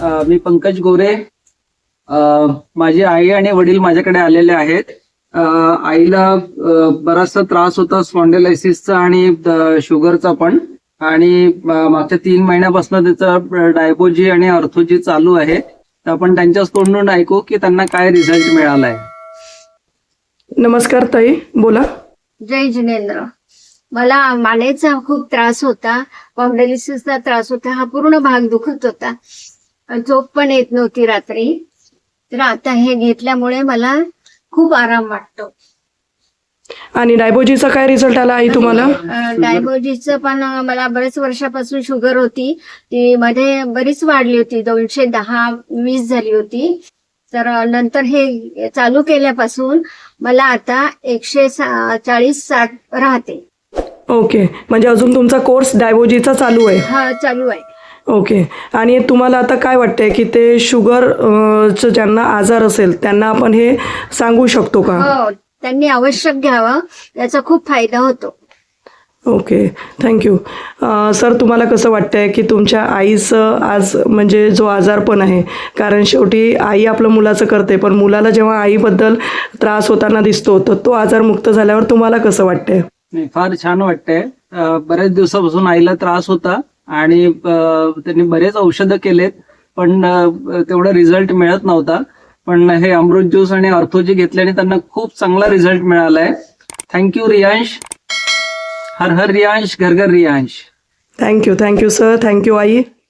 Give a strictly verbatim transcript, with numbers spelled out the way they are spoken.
अ, मी पंकज गोरे. अ, माझी आई आणि वडील माझ्याकडे आलेले आहेत. अ, आईला अ, बराचसा त्रास होता स्पॉन्डिलायसिसचा आणि अ, शुगरचा पण, आणि अ, मागच्या तीन महिन्यापासून त्याचा डायबोजी आणि अर्थोजी चालू आहे. तर आपण त्यांच्याच तोंडून ऐकू की त्यांना काय रिझल्ट मिळालाय. नमस्कार ताई, बोला. जय जिनेंद्र. मला मानेचा खूप त्रास होता, स्पॉन्डिलिसिसचा त्रास होता, हा पूर्ण भाग दुखत होता, झोप पण येत नव्हती रात्री. तर आता हे घेतल्यामुळे मला खूप आराम वाटतो. आणि डायबोजीचा काय रिझल्ट आला आई तुम्हाला? डायबोजीचं पण मला बरेच वर्षापासून शुगर होती, ती मध्ये बरीच वाढली होती, दोनशे दहा वीस झाली होती. तर नंतर हे चालू केल्यापासून मला आता एकशे चाळीस साठ राहते. ओके, म्हणजे अजून तुमचा कोर्स डायबोजीचा चालू आहे? हा, चालू आहे. ओके. आणि तुम्हाला आता काय वाटतंय की ते शुगर चं ज्यांना आजार असेल त्यांना आपण हे सांगू शकतो का? हो, त्यांनी आवश्यक घ्यावं, याचा खूप फायदा होतो. Okay, thank you. सर, तुम्हाला कसं वाटतंय की तुमच्या आईचं आज म्हणजे जो आजारपण आहे, कारण शेवटी आई आपलं मुलाचं करते, पण मुलाला जेव्हा आईबद्दल त्रास होताना दिसतो तर तो आजारमुक्त झाल्यावर तुम्हाला कसं वाटतंय? नाही, फार छान वाटतंय. अ, बऱ्याच दिवसापासून आईला त्रास होता आणि अ, त्यांनी बरेच औषधं केलेत, पण अ, तेवढा रिझल्ट मिळत नव्हता. पण हे अमृत ज्यूस आणि अर्थोजी घेतल्याने त्यांना खूप चांगला रिझल्ट मिळालाय. थँक्यू रियांश. हर हर रियांश, घर घर Riyansh. Thank you thank you sir, thank you आई.